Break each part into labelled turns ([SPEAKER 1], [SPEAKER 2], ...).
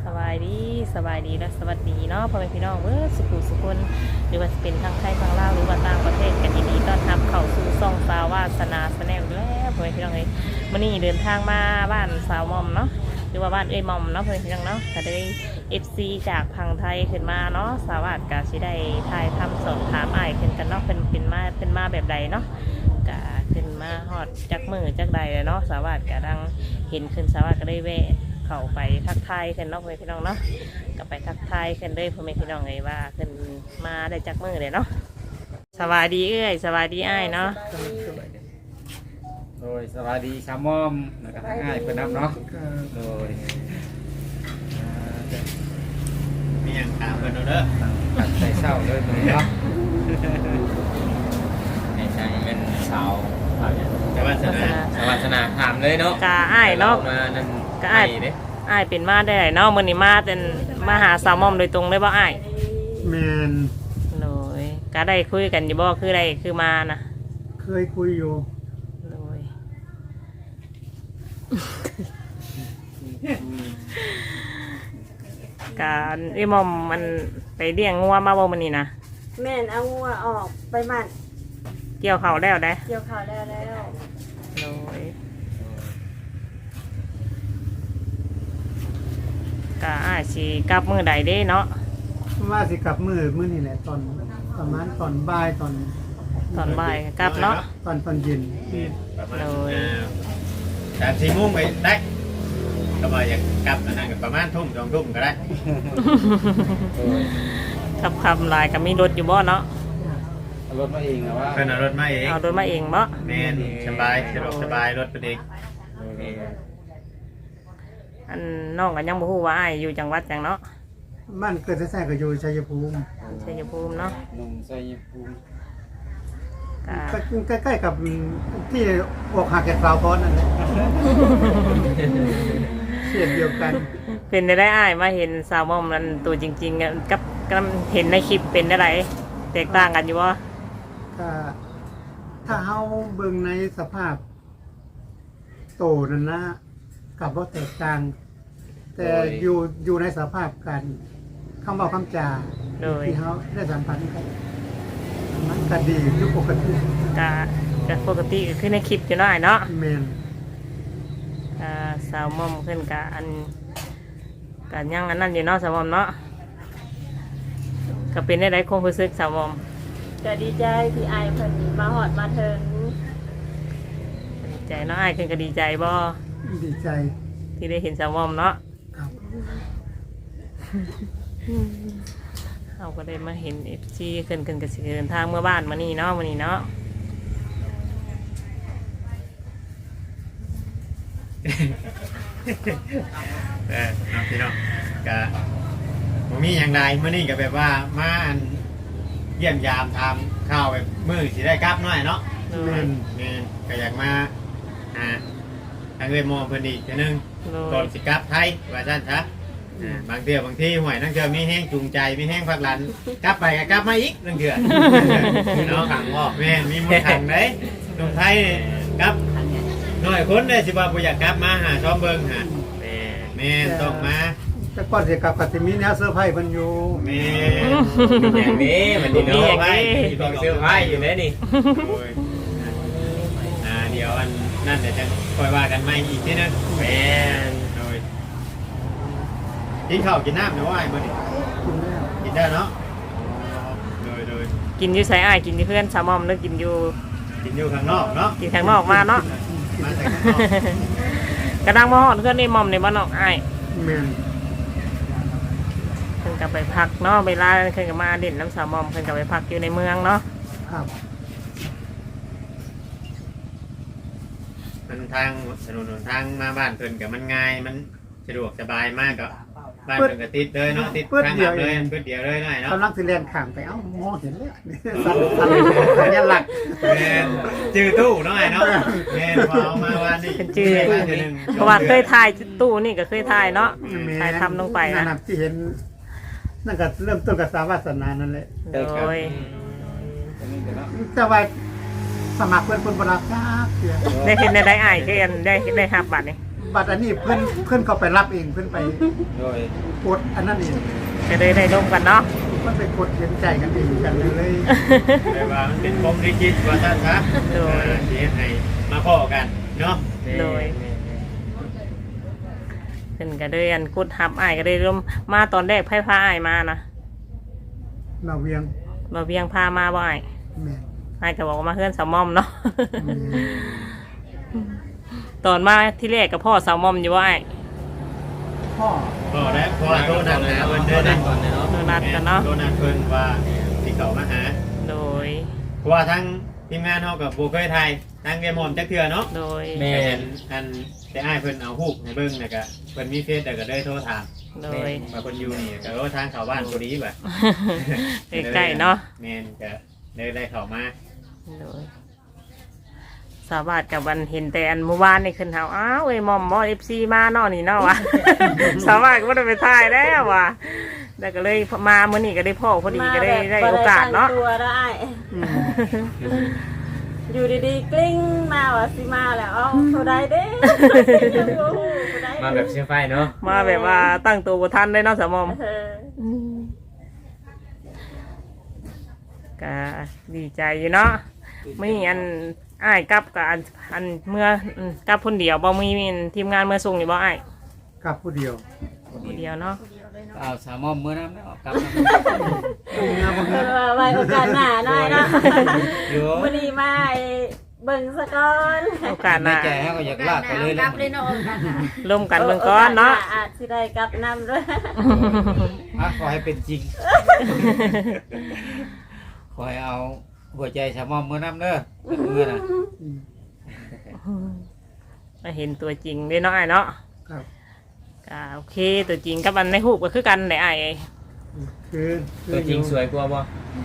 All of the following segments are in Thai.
[SPEAKER 1] บายดีสบายดีและสวัสดีเนาะพ่อแม่พี่น้องสุขุสุคนหรือว่าจะเป็นทางไทยทางลาวหรือว่าต่างประเทศกันยินดีต้อนรับเข้าสู่ซ่องสาวาสนาแนลแล้วพ่อแม่พี่น้องเลยวันนี้เดินทางมาบ้านสาวมอมเนาะหรือว่าบ้านมอมเนาะพ่อแม่พี่น้องเนาะก็ได้FC จากพังไทยขึ้นมาเนาะสาวาสกาสิได้ถ่ายทำสอบถามอ้ายขึ้นกันเนาะเป็นมาแบบใดเนาะกะขึ้นมาฮอดจักมือจักใดเลยเนาะสาวาสกะดังเห็นขึ้นสาวาสก็ได้แวะเข้าไปทักทายขึ้นเนาะพ่อแม่พี่น้องเนาะก็ไปทักทายขึ้นเลยพ่อแม่พี่น้องเลยว่าขึ้นมาได้จักมือเลยเนาะสวัสดีสวัสดีอ้ายเนาะ
[SPEAKER 2] โดยสวัสดีชาวมอมแล้วก็ง่ายเพื่อนน้ำเนาะโดยมีอย่างถามเพื่อนเด้อตัดใจเศร้าเลยตัวนี้เนาะในใจเป็นสาวสวัสนาถามเลยเนาะ
[SPEAKER 1] กะอ้ายเนาะ
[SPEAKER 2] มานั่น
[SPEAKER 1] กะอ้ายอ้ายเป็นมาได้เนาะมื้อนี้มาเป็นมาหาสาวมอมโดยตรงเลยบ่อ้าย
[SPEAKER 3] แมน
[SPEAKER 1] โดยก็ได้คุยกันอยู่บ่คือได้คือมานะ
[SPEAKER 3] เคยคุยอยู่
[SPEAKER 1] โดยการมอมมันไปเลี้ยงงัวมาบ่มื้อนี้นะ
[SPEAKER 4] แม่นเอางัวออกไปหมัน
[SPEAKER 1] เกี่ยวเขาวแล้วได้
[SPEAKER 4] เกี่ยวข้าวแล้ว
[SPEAKER 1] โดยก็อ้ายสิกลับมื้อใดเด้เนาะ
[SPEAKER 3] ว่าสิกลับมื้อนี่แหละตอนประมาณตอนบ่ายตอน
[SPEAKER 1] ตอนบ่ายกลับเนาะ
[SPEAKER 3] ตอนเย็น
[SPEAKER 2] ประมาณ
[SPEAKER 1] โดย
[SPEAKER 2] 3-4 โมงไปได้ก็มาอย่างกลับนั่นก็ประมาณทุ่ม2 ทุ่มก็ได้
[SPEAKER 1] ขับคำลายก็มีรถอยู่บ่เนาะ
[SPEAKER 2] เอารถมาเองนะว่าเพื่อนเอารถมาเอง
[SPEAKER 1] เอารถมาเองบ่
[SPEAKER 2] แม่นสบายสะดวกสบายรถเป็นเอง
[SPEAKER 1] อันน้องก็ยังบ่ฮู้ว่าอ้ายอยู่จังหวัดจังเนาะ
[SPEAKER 3] บ้านเกิดแท้ๆก็อยู่ชัยภูมิ
[SPEAKER 1] ชัยภูมิเนาะ
[SPEAKER 2] หนุ่มชัยภูมิ
[SPEAKER 1] ก็
[SPEAKER 3] ใกล้ๆกับที่อกหักแก่สาวพรนั่นแหละเสียดเดียวกัน
[SPEAKER 1] เป็นได้อ้ายมาเห็นสาวมอมนั้นตัวจริงๆอะกับเห็นในคลิปเป็นได้แตกต่างกันอยู่บ่
[SPEAKER 3] ก็ถ้าเฮาเบิ่งในสภาพโตนั่นนะกับบ่แตกต่าง แต่อยู่ในสภาพการคำเว้าคำจา
[SPEAKER 1] โดย
[SPEAKER 3] ที่เขาได้สัมพันธ์กันมันก็ดีอยู่ปกติ
[SPEAKER 1] ก็ปกติก็คือในคลิปอยู่เนาะอ้ายเนาะ
[SPEAKER 3] แมน
[SPEAKER 1] สาวมอมขึ้นกับอันกันยังอันนั้นอยู่เนาะสาวมอมเนาะก็เป็นได้คงรู้สึกสาวมอม
[SPEAKER 4] ๆก็ดีใจที่อายเพิ่นมาหอดมาถึง
[SPEAKER 1] ดีใจเนาะอ้ายขึ้นก็ดีใจบ่
[SPEAKER 3] ดีใจ
[SPEAKER 1] ที่ได้เห็นสาวมอมเนาะ
[SPEAKER 3] ครับ
[SPEAKER 1] เราก็ได้มาเห็นFCขึ้นกับสิเดินทางเมื่อบ้านมานี่เนาะมานี่เนาะ
[SPEAKER 2] น้องพี่น้องก็ผมมีอย่างไรเมื่อนี้ก็แบบว่ามาอันเยี่ยมยามทำข้าวแบบมือสิได้กลับหน่อยเนาะ
[SPEAKER 1] โด
[SPEAKER 3] แม
[SPEAKER 1] ย
[SPEAKER 3] น
[SPEAKER 2] แม่นก็อยากมาทางเรมอเพิ่นอีกทีนึง
[SPEAKER 1] โด
[SPEAKER 2] ก่อย นสิกลับไทยว่าซั่นซะบางเทื่อบางที่ห่วยนั่งเทื่อมีแห้งจูงใจมีแห้งพักหลันกลับไปก็กลับมาอีกนั่งเทื่อเนาะขังออกแม่นมีมือขังเด้ตรงไทยกลับน้อยคนเด้สิว่าบ่อยากกลับมาหาซ้อมเบิ่งหาแม่นต้องมา
[SPEAKER 3] แต่ก่อนสิกลับก็สิมีแนวเซอร์ไพรส์เพิ่นอยู่
[SPEAKER 2] แม่อย่างนี้มันดีเนาะไว้ต้องเสื้อผ้าอยู่แล้วนี่โอ้ยเดี๋ยวอันนั่นเดี๋ยวจะคอยว่ากันใหม่อีกทีนึงแม่นโดยกินข้าวกินน้ำเดี๋ยวว่าไอ้มื้อนี้
[SPEAKER 3] กินแล้ว
[SPEAKER 2] กินได้เนาะโดย
[SPEAKER 1] กินอยู่ไสอ้ายกินอยู่เพื่อนสาวมอมหรือกินอยู่
[SPEAKER 2] กินอยู่ข้างนอกเนาะ
[SPEAKER 1] กินข้างนอกมาเนาะ
[SPEAKER 2] มาแต่ข้างนอก
[SPEAKER 1] กระดังมาฮอดเพื่อนในมอมในบ้านนอกอ้าย
[SPEAKER 3] แมน
[SPEAKER 1] เพิ่นก็ไปพักเนาะเวลาเพิ่นก็มาเด่นน้ำสาวมอมเพิ่นก็ไปพักอยู่ในเมืองเนาะ
[SPEAKER 3] ครับ
[SPEAKER 2] มันทางถนนหนทางมาบ้านเพิ่นกับมันง่ายมันสะดวกสบายมากก็บ้านเพิ่นก็ติดเลยเนาะติดทางลัดเลยเพิ่นเดียวเลยหน่อยเนาะ
[SPEAKER 3] กำลังสิแล่นข้ามไปเอ้ามองเห็นแล้วสั่นสัญลักษณ์
[SPEAKER 2] แม่นจื้อตู้เนาะไอ้เนาะแม่นพอเอามาวันนี้
[SPEAKER 1] เป็นชื่อ
[SPEAKER 2] แม่นหนึ่ง
[SPEAKER 1] เพราะว่าเคยถ่ายตู้นี่ก็เคยถ่ายเนาะถ่ายทำลงไป
[SPEAKER 3] นั่
[SPEAKER 1] นะ
[SPEAKER 3] นน่ะที่เห็นนั่นก็เริ่มต้นกับสาวาสนานั่นแหละ
[SPEAKER 1] โดย
[SPEAKER 3] แต่ว่าสมัครเพิ่นบ่รับจักเทื่อ
[SPEAKER 1] ได้เห็นได้อ้ายคืออันได้รับบัตรนี่
[SPEAKER 3] แบัตรอันนี้เพื่อนเขาไปรับเองเพื่อนไป
[SPEAKER 2] โดย
[SPEAKER 3] กดอันนั้นเอง
[SPEAKER 1] ก็เลยได้ร่วมกันเนาะ
[SPEAKER 3] มันไปกดเขียนใจกันเองกันเลย
[SPEAKER 2] แต่ว่ามันเป็นผมลิขิตว่าซั่นซะ
[SPEAKER 1] โดย
[SPEAKER 2] ที่ให้มาพ้อกันเนาะ
[SPEAKER 1] โดยเพิ่นก็เลยอันกุดฮับอ้ายก็เลยร่วมมาตอนแรกไผพาอ้ายมานะ
[SPEAKER 3] เราเวียง
[SPEAKER 1] บ่เวียงพามาบ่อ้าย
[SPEAKER 3] แม่
[SPEAKER 1] อ้ายก็บอกว่ามาเฮือนสาวม่อมเนาะ
[SPEAKER 3] แม่
[SPEAKER 1] ตอนมาที่แรกกับพ่อสาวม่อมอยู่บ่อ้าย
[SPEAKER 3] พ่อ
[SPEAKER 2] ก็แล้วพอโทรนัดหาเพิ่นเด้อนะ
[SPEAKER 1] โดนัดกันเนาะ
[SPEAKER 2] โทรนัดเพิ่นว่าสิเข้ามาหา
[SPEAKER 1] โดย
[SPEAKER 2] เพราะว่าทั้งทีมงานเฮากับบ่เคยถ่ายทางเกมหอมจักเทื่อเนาะ
[SPEAKER 1] โดย
[SPEAKER 2] แม่นอันแต่อ้ายเพิ่นเอารูปให้เบิ่งแล้วก็เพิ่นมีเฟซแล้วก็เลยโทรถาม
[SPEAKER 1] โดย
[SPEAKER 2] ว่าเพิ่นอยู่นี่ก็ว่าทางเข้าบ้านพอดีบ่ะ
[SPEAKER 1] ใกล้ๆเนาะ
[SPEAKER 2] แม่นก็เลยได้เข้ามา
[SPEAKER 1] โดยสาวบาทกับวันเห็นแต่อันเมื่อวานนี่ขึ้นเฮาอ้าวเอ้ยหมอมเอฟซีมาเนาะนี่เนาะ วะ สาวบาทก็ไม่ได้ไปถ่ายแล้ววะแต่ก็เลยมาเมื่อนี้ก็ได้พ่อพอดีก็ได้โอกาสเนาะ
[SPEAKER 4] มแบบบ่ได้ตั้งตัวได้ อยู่ดีๆกลิ้งมาว่าสิมาแล้วเอาเท่าใดเด้
[SPEAKER 5] มาแบบเชื่อไฟเนาะ
[SPEAKER 1] มาแบบว่าตั้งตัวบ่ทันได้เนาะสาวหมอม
[SPEAKER 4] เออ
[SPEAKER 1] ก็ดีใจอยู่เนาะไม่อันอ้ายกลับกับอันเมื่อกลับคนเดียวบ่มีทีมงานเมื่อส่งนี่บ่อ้าย
[SPEAKER 3] กับผู้เดียว
[SPEAKER 1] คนเดียวเนาะ
[SPEAKER 5] เอาสามมอมมื้อน้ำแล้วกลับมา
[SPEAKER 4] เออไว้โอกาสหน้าหน่อยเนาะ
[SPEAKER 5] อยู่
[SPEAKER 4] วันนี้มาไอ้เบิ่งสะก่อน
[SPEAKER 1] โอกาสห
[SPEAKER 5] ใน
[SPEAKER 1] น้า
[SPEAKER 5] ใจให้ก็อยากลากไปเลยแล้ว
[SPEAKER 1] ร่วมกันเบิ่งก่อนเนาะ
[SPEAKER 4] อาจสิได้กลับนำด้วย
[SPEAKER 5] ขอให้เป็นจริง ขอให้เอาหัวใจสามมอมมื้อน้ำเด้อมื้อน่ะ
[SPEAKER 1] มาเห็นตัวจริงได้เนาะอ้ายเนาะ
[SPEAKER 3] ครับ
[SPEAKER 1] ก็โอเคตัวจริงกับอันในรูปก็คือกันได้อ้ายเอ้ย
[SPEAKER 3] คือ
[SPEAKER 5] ตัวจริงสวยกว่าบ่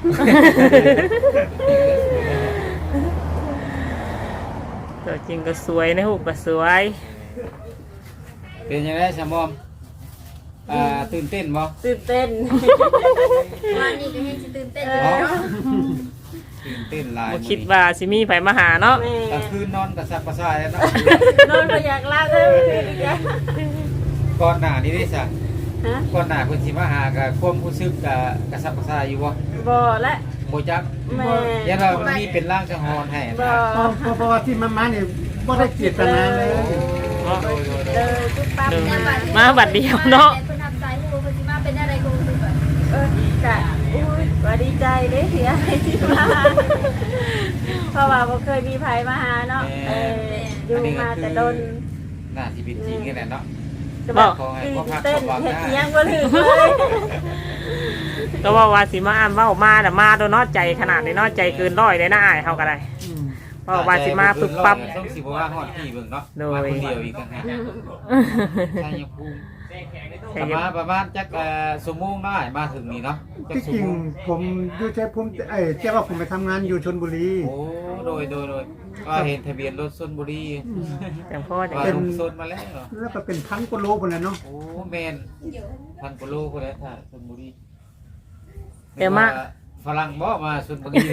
[SPEAKER 1] ตัวจริงก็สวยในรูปก็สวย
[SPEAKER 5] เป็นยังไงสามมอมตื่นเต้นบ่
[SPEAKER 4] ตื่นเต้น
[SPEAKER 6] วันนี้ก็ยังสิตื่นเต้น
[SPEAKER 4] เอ
[SPEAKER 6] อยู่
[SPEAKER 4] อ
[SPEAKER 6] เนาะ
[SPEAKER 5] ตื่นเต้นหลาย
[SPEAKER 1] บ่คิดว่าสิมีไผมาหาเนาะ
[SPEAKER 4] แม่
[SPEAKER 5] กลางคืนนอนกระสับกระส่ายแล้วเนาะ
[SPEAKER 4] นอนก็อยากลากเลยอีกแล้ว
[SPEAKER 5] ก่อนหน้านี้ได้ซะ
[SPEAKER 4] ฮะ
[SPEAKER 5] ก่อนหน้าเพิ่นสิมาหาก็ความรู้สึกก็กระสับกระส่ายอยู่บ่
[SPEAKER 4] บ่และ
[SPEAKER 5] บ่จัก
[SPEAKER 4] แม่
[SPEAKER 5] ยันว่ามันมีเป็นร่างสังหรณ์ให้
[SPEAKER 4] บ่
[SPEAKER 5] นะ
[SPEAKER 3] เพราะว่าที่มันมาเนี่ยไม่ได้เจตนาเลย
[SPEAKER 1] เนาะ
[SPEAKER 4] เดินปุ๊บปั๊บ
[SPEAKER 1] เดิน
[SPEAKER 4] เนี่ย
[SPEAKER 1] มาบัดเดียวเนาะ
[SPEAKER 6] แต่คนทำใจผู้คนที่มาเป็นอะไรกูคือแบบ
[SPEAKER 4] กะอุ้ยว่าดีใจเด้เสียที่มาเพราะว่าบ่เคยมีไผมาหาเนาะอยู่มาแต่โดน
[SPEAKER 5] น่าสิเป็นจริงกันแหละเนาะ
[SPEAKER 4] จะบอกตื่นเต้นเฮ็ดอิหยังบ่ถึงเลย
[SPEAKER 1] ก็ว่าสิมาอ่านเว้ามาแต่มาโดนเนาะใจขนาดนี้เนาะใจเกินร้อยเลยนะอ้ายเฮาก็ได้
[SPEAKER 3] อืม
[SPEAKER 1] เพราะว่าสิมาปึ๊บปั๊บ
[SPEAKER 5] ต้องสิบ่ว่าฮอดที่เบิ่งเนาะ
[SPEAKER 1] โดย
[SPEAKER 5] มาคนเดียวอีกต่างหากชัยภูมิประมาณจักชั่วโมงได้มาถึงนี่เนาะจัก
[SPEAKER 3] ที่
[SPEAKER 5] ชั่
[SPEAKER 3] จ
[SPEAKER 5] ว
[SPEAKER 3] ริง
[SPEAKER 5] โมง
[SPEAKER 3] ผมอยู่ใช้ผมเจ้าว่าผมไปทำงานอยู่ชลบุรี
[SPEAKER 5] โอ้โดยก็เห็นทะเบียนรถชลบุรี
[SPEAKER 1] จังพ่อจัง
[SPEAKER 5] ว่าลงโซนมาแล้วเหรอ
[SPEAKER 3] แล้วก็เป็นพันกว่าโลคนเลยเนาะ
[SPEAKER 5] โอ้แม่นพันกว่าโลพุ่นแหล้วถ้าชลบุรี
[SPEAKER 1] เดี๋ยวมา
[SPEAKER 5] ฝรั่งบ่มาชลบุรี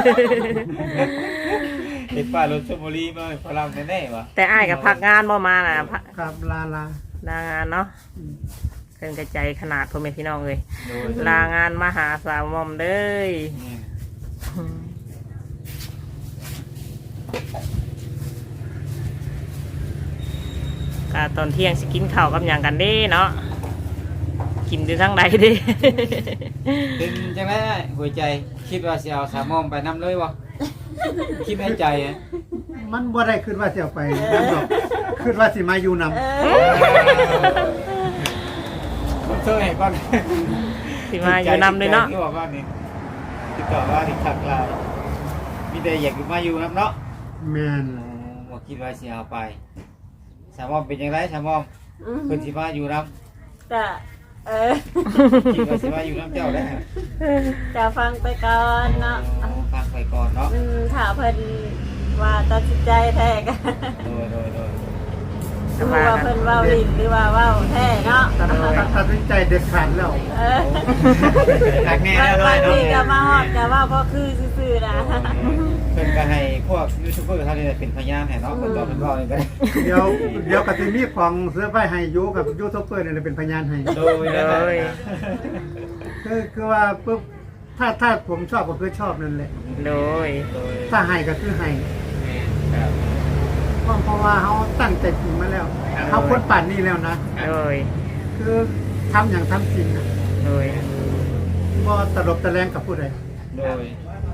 [SPEAKER 5] เห็นป้ายรถชลบุรีมาฝรั่งแน่ๆวะ
[SPEAKER 1] แต่อ้ายก็พักงานบ่มาน่ะพัก
[SPEAKER 3] ครับลา
[SPEAKER 1] ลางานเนาะเพิ่นกระใจขนาดพ่อแม่พี่น้องเลย
[SPEAKER 5] โดย
[SPEAKER 1] ลางานมาหาสาวหมอมเด้ย ก็ตอนเที่ยงสิกินข้าวกับหยังกันเด้เนาะกินอยู่ทั้งใดเด้
[SPEAKER 5] เป็นจังได๋หัวใจคิดว่าสิเอาสามมอมไปนำเลยบ่คิดในใจอะ
[SPEAKER 3] มันบ่ได้ขึ้นว่าจะเอาไปนั่นหรอกขึ้นว่าสิมาอยู่นำ
[SPEAKER 5] ผมเจอให้ก่อน
[SPEAKER 1] สิมาอยู่นำเลยเนาะ
[SPEAKER 5] ที่บอกว่านี่ติดต่อว่าที่ทักไลน์มีแต่อยากมาอยู่นำเนาะ
[SPEAKER 3] แมน
[SPEAKER 5] บ่คิดว่าสิเอาไปสามมอมเป็นจังไดสามมอมเพิ่นสิมาอยู่นำ
[SPEAKER 4] จะ
[SPEAKER 5] คิดว่าสิมาอยู่นำเจ้าได้
[SPEAKER 4] จะฟังไปก่อนเนาะ
[SPEAKER 5] ฟังไปก่อนเนาะ
[SPEAKER 4] ถ้าเพิ่นว่าตัดสินใจแท้กัน
[SPEAKER 5] โดย
[SPEAKER 4] ดูว่าเพิ่นเว้าลิ้นหรือว่าเว้าแท้เนาะ
[SPEAKER 3] ตัดสินใจเด็ดขาดแล้ว
[SPEAKER 4] เออ
[SPEAKER 2] ทักแน่แล้ว
[SPEAKER 4] บาง
[SPEAKER 2] เนาะ
[SPEAKER 4] ทีก็มาฮอดก็ว่าบ่คือซื่อๆนะ
[SPEAKER 5] เพิ่นก็ให้พวกยูทูบเบอร์ท่านนี้เป็นพยานให้เนาะเพิ่นบอกเพิ่นบอกนี่ก็ได้
[SPEAKER 3] เดี๋ยวก็สิมีของเสื้อผ้าให้อยู่กับยูทูบเบอร์นี่เป็นพยานให้
[SPEAKER 5] โดยแล้วแต่
[SPEAKER 3] คือว่าปุ๊บถ้าผมชอบก็คือชอบนั่นแหละ
[SPEAKER 1] โดย
[SPEAKER 3] ถ้าให้ก็คือให้เพราะว่าเขาตั้งใจจริงมาแล้วเขาพ้นป่านนี้แล้วนะ
[SPEAKER 1] โดย
[SPEAKER 3] คือทำอย่างทำจริงนะ
[SPEAKER 1] โดย
[SPEAKER 3] บ่ตลบตะแลงกับผู้ใด
[SPEAKER 5] โดย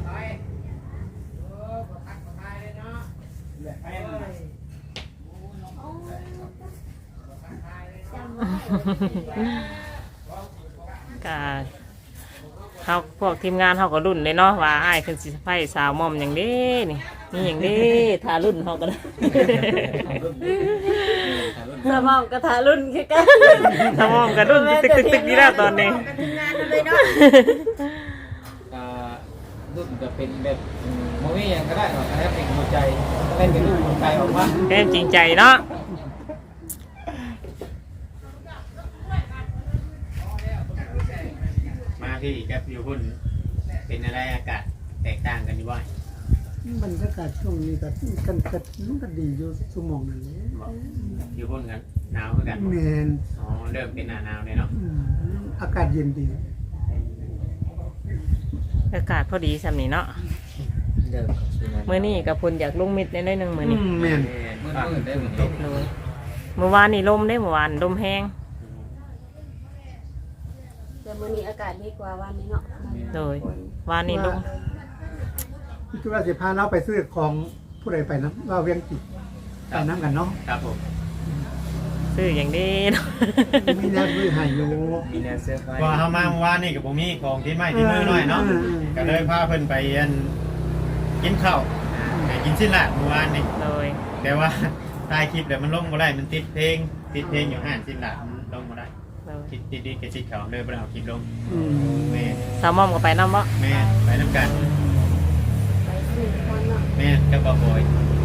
[SPEAKER 1] ก็เขาพวกทีมงานเขาก็รุ่นเลยเนาะว่าอ้ายขึ้นสิไฟสาวหม่อมอย่างนี้นี่อย่างนี้ทารุ่นเขาก็ได้
[SPEAKER 4] สมองกระทะรุ่นคือกัน
[SPEAKER 1] สาวหม่อมก็รุ่นตึกๆๆนี่แล้วตอนนี้
[SPEAKER 6] กันทำงานเลยเนาะ
[SPEAKER 5] รุ่นจะเป็นแบบโมวี่ยังก็ได้หรอกถ้าเป็นหัวใจเล่นเป็นรูปหัวใจออกมา
[SPEAKER 1] แม่นจริงใจเนาะ
[SPEAKER 2] มาที่กับอยู่พุ่นเป็นอะไรอากาศแตกต่างกันอยู่บ่อย
[SPEAKER 3] บรรยากาศช่วงนี้ก็มันก็ดีอยู่ชั่วโมงนั่นแหละ
[SPEAKER 2] อยู่พุ่นกันหนาวเหมือนกัน
[SPEAKER 3] แมน
[SPEAKER 2] อ๋อเริ่มเป็นหน้าหนาวเลยเนาะ
[SPEAKER 3] อากาศเย็นดี
[SPEAKER 1] อากาศพอดีสำนี้เนาะ
[SPEAKER 5] เดิม
[SPEAKER 1] มื้อนี้กับพลอยากลงมิดได้หนึงมื้อนี้
[SPEAKER 3] แมน
[SPEAKER 5] มืดได้เหมือน
[SPEAKER 2] ต
[SPEAKER 5] กัน
[SPEAKER 2] ก
[SPEAKER 1] โดยเมื่อวานนี่ลมได้เมื่อวานลมแห้ง
[SPEAKER 4] แต่มื้อนี้อากาศดีกว่าวันนี้เนาะ
[SPEAKER 1] โดย วานนี่ลม
[SPEAKER 3] คิดว่าสิพาเราไปซื้อของผู้ใดไปนะว่าเวียงจิตไปน้ำกันเนาะ
[SPEAKER 2] ครับผม
[SPEAKER 1] ซื้ออย่างนี้เนาะ
[SPEAKER 3] มีแนวซื้อให้อยู่
[SPEAKER 5] มีแนวเสื้อผ้า
[SPEAKER 2] พอเฮามาเมื่อวานนี่กับผมมีของที่ไม้ที่มือหน่อยเนาะก็เลยพาเพิ่นไปกินข้าวไปกินชิ้นละเมื่อวานนี่
[SPEAKER 1] โดย
[SPEAKER 2] แต่ว่าถ่ายคลิปแล้วมันลงบ่ได้มันติดเพลงอยู่ห้านชิ้นละมันลงบ่ได้
[SPEAKER 1] โดย
[SPEAKER 2] ติดกระชิดเขาเลยบ่ได้เอาคลิปลง
[SPEAKER 3] อืม
[SPEAKER 2] แม่
[SPEAKER 1] สาวหมอมก็ไปน้ำบ่
[SPEAKER 2] แม่ไปน้ำกัน
[SPEAKER 4] ไปซื้อคนเนาะ
[SPEAKER 2] แม่กับบ่บอย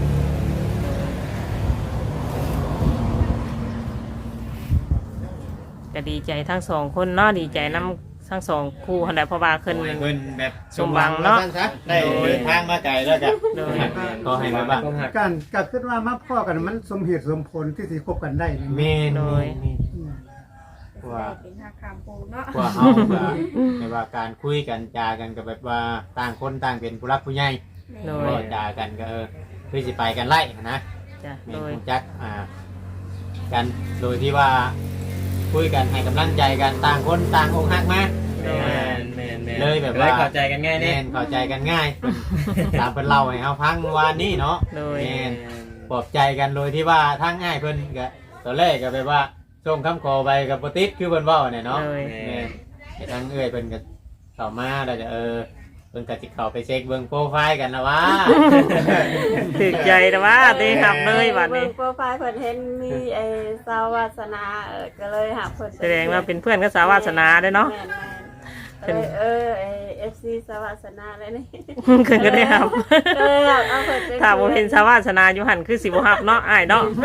[SPEAKER 1] ก็ดีใจทั้งสองคนเนาะดีใจน้ำทั้งสองคู่คนใดเพราะว่าขึ้น
[SPEAKER 2] โอ้ยเพิ่นแบบ
[SPEAKER 1] สมหวังเนาะ
[SPEAKER 2] ท่ซได้เดินทางมาไกลแล้วจ้ะ
[SPEAKER 1] โดย
[SPEAKER 2] ก็ให้มาบ้าง
[SPEAKER 3] การก็คิดว่ามาพ่อกันมันสมเหตุสมผลที่สิคบกันได้นะ
[SPEAKER 2] แม่น
[SPEAKER 1] โดย
[SPEAKER 2] ว่า
[SPEAKER 6] เป็นทางคำปูเนาะ
[SPEAKER 2] ว่าเฮาก็แบบว่าการคุยกันจากันก็แบบว่าต่างคนต่างเป็นผู้รักผู้ใหญ่
[SPEAKER 1] โด
[SPEAKER 2] ก็
[SPEAKER 1] ย
[SPEAKER 2] จากันก็คือสิไปกันไล่นะ
[SPEAKER 1] จ้ะ
[SPEAKER 2] แม่
[SPEAKER 1] โด
[SPEAKER 2] น
[SPEAKER 1] ย
[SPEAKER 2] รู้จักกันโดยที่ว่าคุยกันให้กำลังใจกันต่างคนต่างอกหักมา เลยแบบว่า
[SPEAKER 5] เข้าใจกันง่ายเนี่ย
[SPEAKER 2] แม่นเข้าใจกันง่ายตามเพิ่นเล่าให้เฮาฟังเมื่อวานนี้เนาะ
[SPEAKER 1] โดย
[SPEAKER 2] แม่นปลอบใจกันโดยที่ว่าทั้งง่ายเพิ่นก็ตอนแรกก็แบบว่าส่งคำขอไปกับบ่ติดคือเพิ่นเว้าเนี่ยเนาะ
[SPEAKER 1] โดย
[SPEAKER 2] แม่นให้ทั้งเอ้ยเพิ่นก็เข้ามาแล้วจะเพิ่นก็สิเข้าไปเช็คเบิ่งโปรไฟล์กันนะว่า
[SPEAKER 1] ถึกใจแต่ว่าได้หับเลยวันนี้
[SPEAKER 4] เบิ่งโปรไฟล์เพิ่นเห็นมีไอ้สาววาสนาก็เลยหับเพิ่น
[SPEAKER 1] แสดงว่าเป็นเพื่อนกับสาววาสนาเด้อเนาะ
[SPEAKER 4] แม่นไอ้ FC สาววาสนาเลยนี่
[SPEAKER 1] เพิ่นก็ได้หับ
[SPEAKER 4] เอาเพิ่นเป็น
[SPEAKER 1] ถ้าบ่เห็นสาววาสนาอยู่หันคือสิบ่หับเนาะอ้ายเนาะ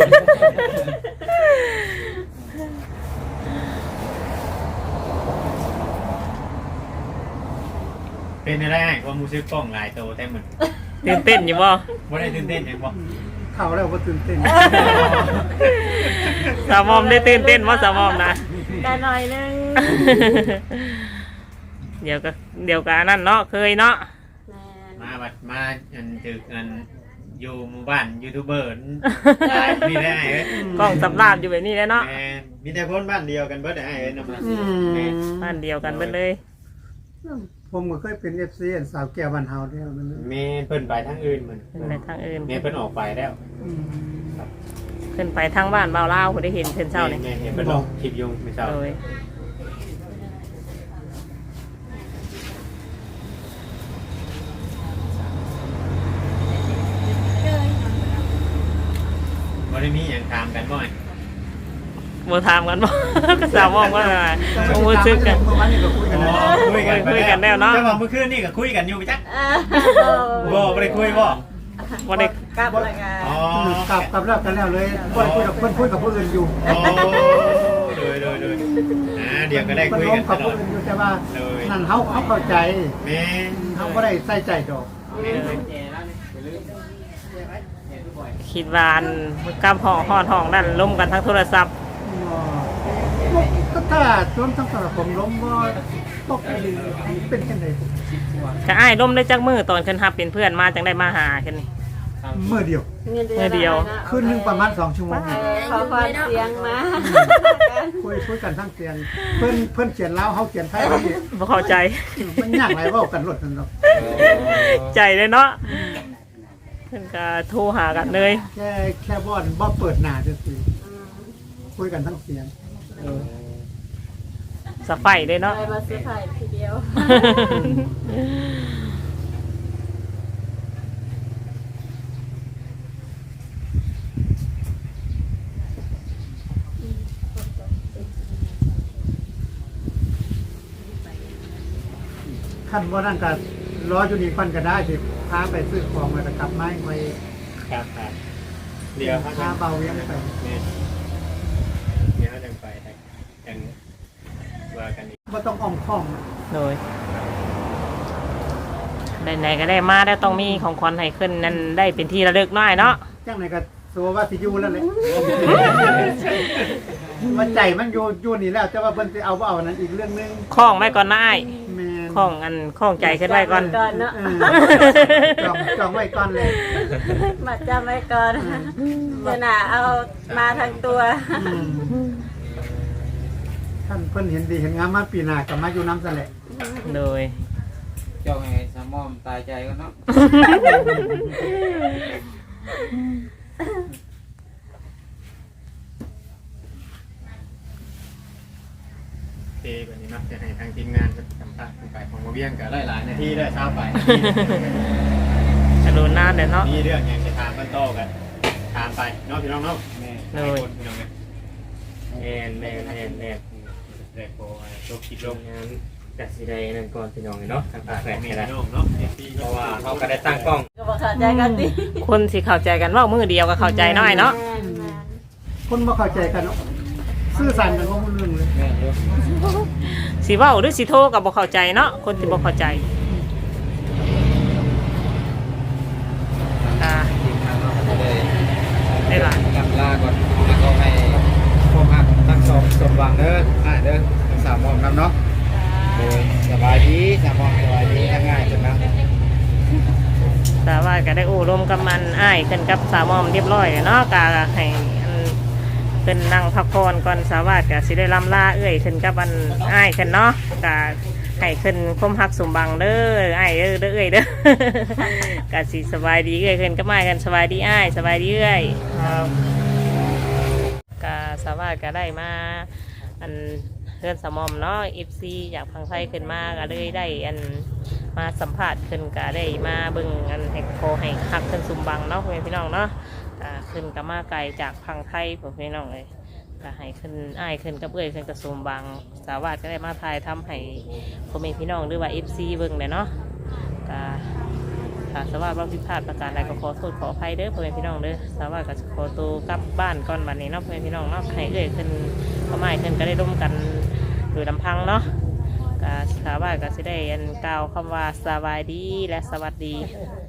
[SPEAKER 2] เป็นอะไรความรู้สึกกล้องหลายโตแต่เหมือน
[SPEAKER 1] ตื่นเต้นอยู่บ่
[SPEAKER 2] บ่ได้ตื่นเต้นหยังบ่
[SPEAKER 3] เข้าแล้วก็ตื่นเต้น
[SPEAKER 1] สาวหมอมได้ตื่นเต้นบ่สาวหมอมนะ
[SPEAKER 4] ได้หน่อยนึง
[SPEAKER 1] เดี๋ยวก็อันนั่นเนาะเคยเนาะ
[SPEAKER 4] แม่น
[SPEAKER 2] มาบัดมาถึกอยู่หมู่บ้านยูทูบเบอร์หลายมีได้เอ้ย
[SPEAKER 1] กล้องสำราบอยู่แบบนี้แหละเนาะ
[SPEAKER 2] แม่นมีแต่คนบ้านเดียวกันเบิดได้เอ้ยนำมา
[SPEAKER 3] อืม
[SPEAKER 1] บ้านเดียวกันเบิดเลย
[SPEAKER 3] ผมก็เคยเป็น FC อันสาวแก้วบ้านเฮาเดียวนั่นแหละ
[SPEAKER 2] แม่เพิ่นไปทางอื่นเหมือน
[SPEAKER 1] ขึ้นไปทางอื่น
[SPEAKER 2] แม่เพิ่นออกไปแล้ว
[SPEAKER 3] อืม
[SPEAKER 1] ขึ้นไปทางบ้านเบาเล่าวผมได้เห็นเพิ่นเช้านี่
[SPEAKER 2] แม่เห็นเพิ่นลงคลิปยุงไม่เช้า
[SPEAKER 1] โดย
[SPEAKER 2] บ่ได้มีหยังถามกันบ่อย
[SPEAKER 1] บ่ถามกันบ่ ก็สาวมองว่าอะไรบ่รู้สึกกัน
[SPEAKER 3] เมื่อวานนี้ก็คุยกันแล้ว
[SPEAKER 2] คุยกัน
[SPEAKER 1] คุยกันแล้วเนาะ
[SPEAKER 2] แต่ว่าเมื่อคืนนี่ก็คุยกันอยู่ไปจัก
[SPEAKER 4] อ่า
[SPEAKER 2] บ่ได้คุยบ่
[SPEAKER 1] บ่ได้
[SPEAKER 4] กลับแล้วก็
[SPEAKER 2] อ๋อก
[SPEAKER 3] ลับแล้วกันแล้วเลยบ่ได้คุยกับเพิ่นคุยกับผู้อื่นอยู่
[SPEAKER 2] โอ้โดยเดี๋ยวก็ได้
[SPEAKER 3] เพิ่น
[SPEAKER 2] คุย
[SPEAKER 3] ล้ม
[SPEAKER 2] กัน
[SPEAKER 3] กับ
[SPEAKER 2] ตล
[SPEAKER 3] ผู้
[SPEAKER 2] อด
[SPEAKER 3] อื่นอยู่แต่ว่า
[SPEAKER 2] เลย
[SPEAKER 3] นั่นเฮาเข้าใจ
[SPEAKER 2] แม่
[SPEAKER 3] เฮาบ่ได้ใส่ใจดอก
[SPEAKER 1] คิดว่าอันกับห้องฮอดห้องนั่นล้มกันทั้งโทรศัพท์
[SPEAKER 3] ก็ถ้าจนทั้งสำหรับผมล้มบ่ตกดีเป็นจังได๋
[SPEAKER 1] ก็อ้ายล้มได้จักมือตอนขึ้นฮับเป็นเพื่อนมาจังได้มาหาขึ้นนี่
[SPEAKER 3] มื้อเดียว
[SPEAKER 1] เมื่อเดียว
[SPEAKER 3] คืนนึงประมาณ2ชั่วโมง
[SPEAKER 4] ขอความเสียงมา
[SPEAKER 3] คุยกันทั้งเสียงเพิ่นเขียนลาวเฮาเขียนไทยนี่
[SPEAKER 1] บ่เข้าใจ
[SPEAKER 3] มันยากหลายเว้ากันรถนั่นเนาะ
[SPEAKER 1] ใจเลยเนาะเพิ่นก็โทรหากันเลย
[SPEAKER 3] แค่บ่เปิดหน้าซื่อๆคุยกันทั้งเสียง
[SPEAKER 1] สะไฟเลยเนาะ
[SPEAKER 4] ไปมาซื้อไผ่ทีเดียว
[SPEAKER 3] ขั้นบ่นั่นก็รออยู่นี่ก่อนก็ได้สิพาไปซื้อของแล้วก็กลับมาไว้
[SPEAKER 2] ครับเดี๋ยวเขา
[SPEAKER 3] พา
[SPEAKER 2] จะ
[SPEAKER 3] เบาเวียงไป
[SPEAKER 2] เดี๋ยวเขาจะไปยังว่ากันอีก
[SPEAKER 3] บ่ต้องอ้อมค้อม
[SPEAKER 1] โดยไหนๆก็ได้มาได้วต้องมีของขวัญให้ขึ้นนั่นได้เป็นที่ระลึกหน่อยเนาะ
[SPEAKER 3] จังไหนก็สัวว่าสิอยู่แล้วแหละมันใจมันอยู่นี่แล้วแต่ว่าเพิ่นสิเอาบ่เอานั้นอีกเรื่องนึง
[SPEAKER 1] คล้องไว้ก่อนนะอ้าย
[SPEAKER 3] แม่น
[SPEAKER 1] คล้องคล้องใจขึ้นไว้ก่อน
[SPEAKER 4] ก่อนเนาะ
[SPEAKER 3] เออจองไว้ก่อนเลย
[SPEAKER 4] มาจำไว้ก่อนเดี๋ยวน่ะเอามาทั้งตัว
[SPEAKER 3] ท่านเพิ่นเห็นดีเห็นงามมาปีหน้าก็มาอยู่น้ำซะแหละ
[SPEAKER 1] โดย
[SPEAKER 5] เจ้าให้สามอมตายใจกันเนาะ
[SPEAKER 2] เทแบบนี้เนาะจะให้ทางทีมงานสัมภาษณ์ไปของมาเบี้ยงกับหลายๆนาทีได้เช้าไป
[SPEAKER 1] จะโดนหน้าเดี๋ยวเนาะ
[SPEAKER 2] มีเรื่องยังจะถามกันโตกันถามไปเนาะพี่น้องเนาะ
[SPEAKER 5] แม่
[SPEAKER 1] เลย
[SPEAKER 2] พี่น้องเนี่ยแอนเด็กโอ้ยลบคิดลบ
[SPEAKER 7] งานกัสิได้นั่นก่อนพี่น้องเนาะทางภาคแรก
[SPEAKER 2] มี
[SPEAKER 7] นี่แหละ
[SPEAKER 2] พี่น้องเนาะ
[SPEAKER 7] เพราะว่าเขาก็ได้ตั้งกล้อง
[SPEAKER 4] ก็บอกเข้าใจกันดิ
[SPEAKER 1] คนสิเข้าใจกันว่ามือเดียวก็เข้าใจน้อยเนาะ
[SPEAKER 3] คนบ่เข้าใจกันเนาะซื่อสัตย์กันบ่รู้เรื่องเลย
[SPEAKER 5] แม่เยอะ
[SPEAKER 1] สิเว้าหรือสิโทรก็บ่เข้าใจเนาะคนที่บ่เข้าใจอ่า
[SPEAKER 5] ทีมงานเราก็เลย
[SPEAKER 1] ได้หลาย
[SPEAKER 5] กำลาก่อนแล้วก็ให้พวกฮักทั้งสองสมหวังเด้อเด้อทั้งสามมอมครับเนาะโดยสบายดีสามมอมสบายดีง่ายจังนะ
[SPEAKER 1] แต่ว่าก็ได้โอ้ร่วมกับมันอ้ายขึ้นกับสาวมอมเรียบร้อยแล้วเนาะก็ให้อันขึ้นนั่งพักผ่อนก่อนสาวาสก็สิได้ลำลาเอ้ยขึ้นกับอันอ้ายขึ้นเนาะก็ให้ขึ้นคมฮักสมบังเด้ออ้ายเด้อเอ้ยเด้อ ก็สิสบายดีเอ้ยขึ้นกับอ้ายกันสบายดีอ้ายสบายดีเอ้ยก็สาวาสก็ได้มาอันเพื่อนสาวมอมเนาะ FC อยากพังไทยขึ้นมาก็เลยได้อันมาสัมภาษณ์ขึ้นก็ได้มาเบิ่งอันให้โคให้ฮักขึ้นสมบังเนาะพ่อแม่พี่น้องเนาะก็ขึ้นก็มาไกลจากพังไทยพ่อแม่พี่น้องเลยก็ให้ขึ้นอ้ายขึ้นกับเอ้ยขึ้นกับสมบังสาวาสก็ได้มาถ่ายทำให้พ่อแม่พี่น้องหรือว่า FC เบิ่งเลยเนาะก็ถ้าสาวาสว่าผิดพลาดประการใดก็ขอโทษขออภัยเด้อพ่อแม่พี่น้องเด้อสาวาสก็จะขอตัวกลับบ้านก่อนบัดนี้เนาะพ่อแม่พี่น้องเนาะให้เอ้ยขึ้นก็ไม่ขึ้นก็ได้ร่วมกันโดยลำพังเนาะก็สาวาสก็จะได้อันกล่าวคำว่าสบายดีและสวัสดี